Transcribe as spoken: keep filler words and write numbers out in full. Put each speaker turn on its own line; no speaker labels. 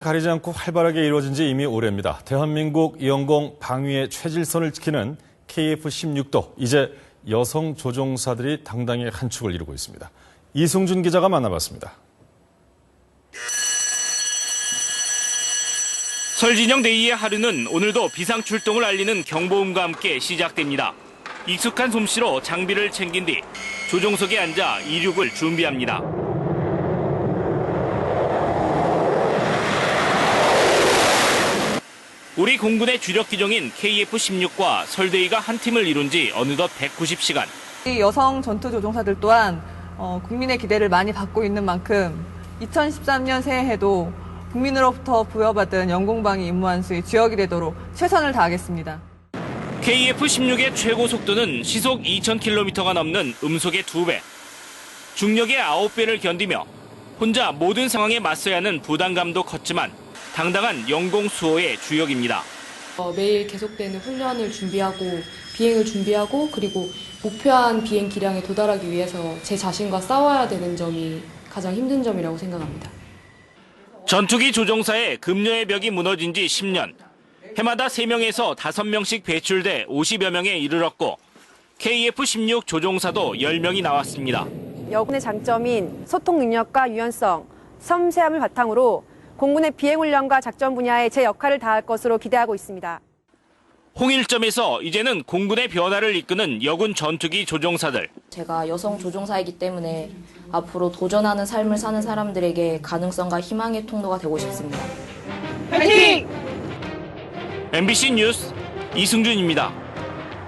가리지 않고 활발하게 이루어진 지 이미 오래입니다. 대한민국 영공 방위의 최질선을 지키는 케이에프 십육도 이제 여성 조종사들이 당당히 한 축을 이루고 있습니다. 이승준 기자가 만나봤습니다.
설진영 데이의 하루는 오늘도 비상 출동을 알리는 경보음과 함께 시작됩니다. 익숙한 솜씨로 장비를 챙긴 뒤 조종석에 앉아 이륙을 준비합니다. 우리 공군의 주력 기종인 케이에프 십육과 설데이가 한 팀을 이룬 지 어느덧 백구십 시간.
이 여성 전투 조종사들 또한 어, 국민의 기대를 많이 받고 있는 만큼 이천십삼 년 새해에도 국민으로부터 부여받은 영공방위 임무 완수의 주역이 되도록 최선을 다하겠습니다.
케이에프 십육의 최고 속도는 시속 이천 킬로미터가 넘는 음속의 두 배, 중력의 아홉 배를 견디며 혼자 모든 상황에 맞서야 하는 부담감도 컸지만 당당한 영공 수호의 주역입니다.
어, 매일 계속되는 훈련을 준비하고 비행을 준비하고 그리고 목표한 비행 기량에 도달하기 위해서 제 자신과 싸워야 되는 점이 가장 힘든 점이라고 생각합니다.
전투기 조종사의 급료의 벽이 무너진 지 십 년. 해마다 세 명에서 다섯 명씩 배출돼 오십여 명에 이르렀고 케이에프 십육 조종사도 열 명이 나왔습니다.
여군의 장점인 소통 능력과 유연성, 섬세함을 바탕으로 공군의 비행훈련과 작전 분야에 제 역할을 다할 것으로 기대하고 있습니다.
홍일점에서 이제는 공군의 변화를 이끄는 여군 전투기 조종사들.
제가 여성 조종사이기 때문에 앞으로 도전하는 삶을 사는 사람들에게 가능성과 희망의 통로가 되고 싶습니다.
화이팅!
엠비씨 뉴스 이승준입니다.